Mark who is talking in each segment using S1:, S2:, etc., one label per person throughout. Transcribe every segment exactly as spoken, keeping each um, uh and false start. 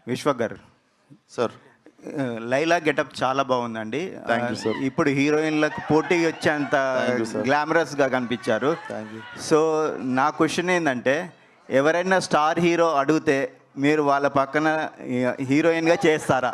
S1: విశ్వక్ గారు
S2: sir,
S1: Laila getup చాలా బాగుందండి.
S2: Thank you sir.
S1: ఇప్పుడు హీరోయిన్లకు పోటీ వచ్చేంత
S2: Thank you, sir.
S1: గ్లామరస్గా కనిపించారు.
S2: Thank you.
S1: సో నా క్వశ్చన్ ఏంటంటే, ఎవరైనా స్టార్ హీరో అడిగితే మీరు వాళ్ళ పక్కన హీరోయిన్గా చేస్తారా?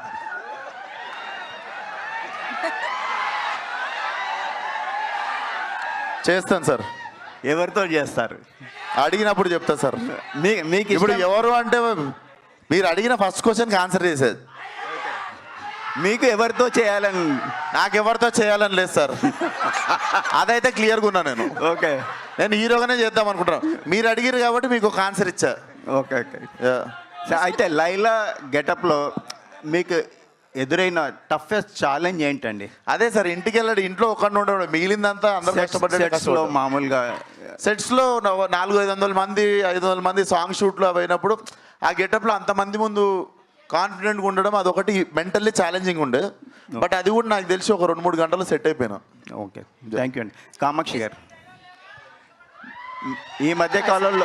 S2: చేస్తాను సార్.
S1: ఎవరితో చేస్తారు?
S2: అడిగినప్పుడు చెప్తా సార్.
S1: మీ మీకు
S2: ఇప్పుడు
S1: ఇష్టం-
S2: ఎవరు అంటే మీరు అడిగిన ఫస్ట్ క్వశ్చన్కి ఆన్సర్ చేసేది.
S1: మీకు ఎవరితో చేయాలని?
S2: నాకెవరితో చేయాలని లేదు సార్. అదైతే క్లియర్గా ఉన్నా నేను.
S1: ఓకే
S2: నేను హీరోగానే చేద్దాం అనుకుంటున్నాను. మీరు అడిగిరు కాబట్టి మీకు ఒక ఆన్సర్ ఇచ్చా.
S1: ఓకే ఓకే సో అయితే లైలా గెటప్లో మీకు ఎదురైన టఫెస్ట్ ఛాలెంజ్ ఏంటండి?
S2: అదే సార్, ఇంటికి వెళ్ళాడు, ఇంట్లో ఒక్కడిని ఉండడు, మిగిలిందంతా అందరూ కష్టపడ్డాడు.
S1: సెట్స్లో మామూలుగా
S2: సెట్స్లో నాలుగు ఐదు వందల మంది ఐదు వందల మంది సాంగ్ షూట్లు అవి అయినప్పుడు ఆ గెటప్లో అంతమంది ముందు కాన్ఫిడెంట్గా ఉండడం అదొకటి మెంటల్లీ ఛాలెంజింగ్ ఉండే. బట్ అది కూడా నాకు తెలిసి ఒక రెండు మూడు గంటలు సెట్ అయిపోయినా.
S1: ఓకే థ్యాంక్ యూ అండి. కామాక్షి గారు, ఈ మధ్య కాలంలో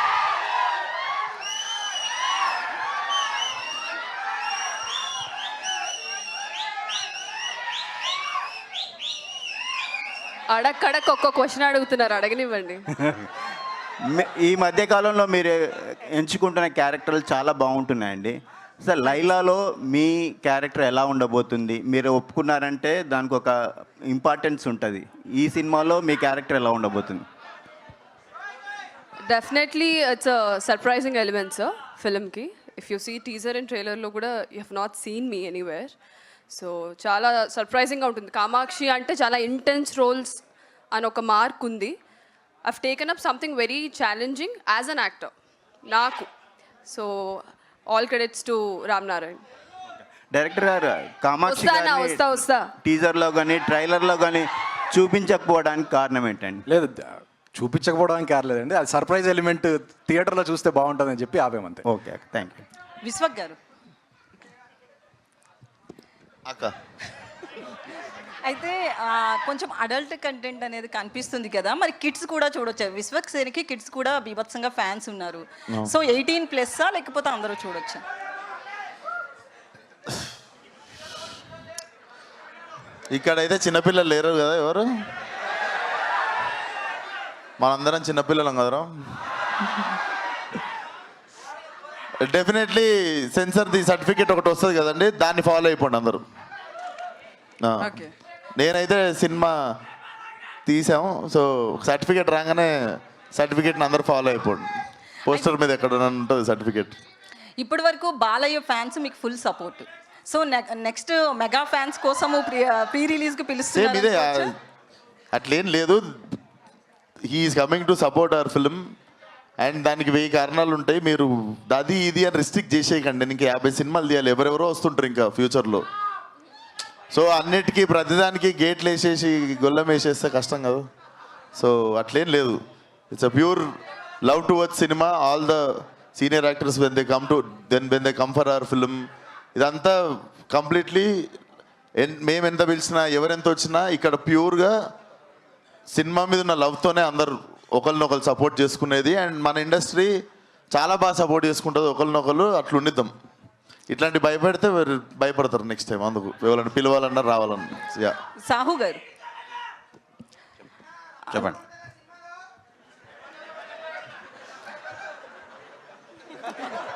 S3: అడక్కడక్ ఒక్క క్వశ్చన్ అడుగుతున్నారు, అడగనివ్వండి.
S1: మీ- ఈ మధ్య కాలంలో మీరు ఎంచుకుంటున్న క్యారెక్టర్లు చాలా బాగుంటున్నాయండి. సార్ లైలాలో మీ క్యారెక్టర్ ఎలా ఉండబోతుంది? మీరు ఒప్పుకున్నారంటే దానికి ఒక ఇంపార్టెన్స్ ఉంటుంది. ఈ సినిమాలో మీ క్యారెక్టర్ ఎలా ఉండబోతుంది?
S3: Definitely it's a surprising element sir ఫిల్మ్కి. If you see teaser and ట్రైలర్లో కూడా you have not seen me anywhere. So చాలా సర్ప్రైజింగ్గా ఉంటుంది. కామాక్షి అంటే చాలా ఇంటెన్స్ రోల్స్ అని ఒక మార్క్ ఉంది. I've taken up something very challenging as an actor నాకు. So all credits to Ram Narayan.
S1: Director గారు, కామాక్షి
S3: వస్తానా వస్తా వస్తా
S1: టీజర్లో కానీ ట్రైలర్లో కానీ చూపించకపోవడానికి కారణం ఏంటండి?
S4: లేదు, చూపించకపోవడానికి కారలేదండి, అది సర్ప్రైజ్ ఎలిమెంట్ థియేటర్లో చూస్తే బాగుంటుందని చెప్పి ఆపేమంతే.
S1: Okay thank you.
S5: విశ్వక్ గారు,
S2: అక్క
S5: అయితే ఆ, కొంచెం అడల్ట్ కంటెంట్ అనేది కనిపిస్తుంది కదా, మరి కిడ్స్ కూడా చూడొచ్చు. విశ్వక్ సేన్కి కిడ్స్ కూడా బీభత్సంగా ఫ్యాన్స్ ఉన్నారు. సో ఎయిటీన్ ప్లస్సా లేకపోతే అందరూ చూడొచ్చా?
S2: ఇక్కడైతే చిన్నపిల్లలు లేరు కదా ఎవరు? మనందరం చిన్నపిల్లలం కదరా. డెఫినెట్లీ సెన్సర్ ది సర్టిఫికేట్ ఒకటి వస్తుంది కదండి, దాన్ని ఫాలో అయిపోండి అందరూ. ఆ.
S5: ఓకే.
S2: నేనైతే సినిమా తీసాము, సో సర్టిఫికేట్ రాగానే సర్టిఫికేట్ని అందరూ ఫాలో అయిపోండి. పోస్టర్ మీద ఎక్కడ ఉంటుంది సర్టిఫికేట్.
S5: ఇప్పటి వరకు బాలయ్య ఫ్యాన్స్ మీకు full support. So next mega fans కోసము ప్రీ ప్రీ రిలీజ్కి
S2: సేమ్ ఇదే,
S5: పిలుస్తున్నారు.
S2: అట్లేం లేదు. He's coming to support our film and దానికి వెయ్యి కారణాలు ఉంటాయి. మీరు అది ఇది అని రిస్ట్రిక్ట్ చేసేయకండి. ఇంకా యాభై సినిమాలు తీయాలి, ఎవరెవరో వస్తుంటారు ఇంకా ఫ్యూచర్లో. సో అన్నిటికీ ప్రతిదానికి గేట్లు వేసేసి గొల్లం వేసేస్తే కష్టం కదా. సో అట్లేం లేదు. It's a pure love towards cinema. All the senior actors when they come to then when they come for our film, ఇదంతా కంప్లీట్లీ మేము ఎంత పిలిచినా ఎవరెంత వచ్చినా ఇక్కడ ప్యూర్గా సినిమా మీద ఉన్న లవ్తోనే అందరు ఒకరినొకరు సపోర్ట్ చేసుకునేది. అండ్ మన ఇండస్ట్రీ చాలా బాగా సపోర్ట్ చేసుకుంటుంది ఒకరినొకరు. అట్లా ఉండిద్దాం. ఇట్లాంటి భయపడితే భయపడతారు నెక్స్ట్ టైం. అందుకు ఎవరైనా పిలవాలన్నా రావాలన్నా. యా
S5: సాహు గారు,
S1: చెప్పండి.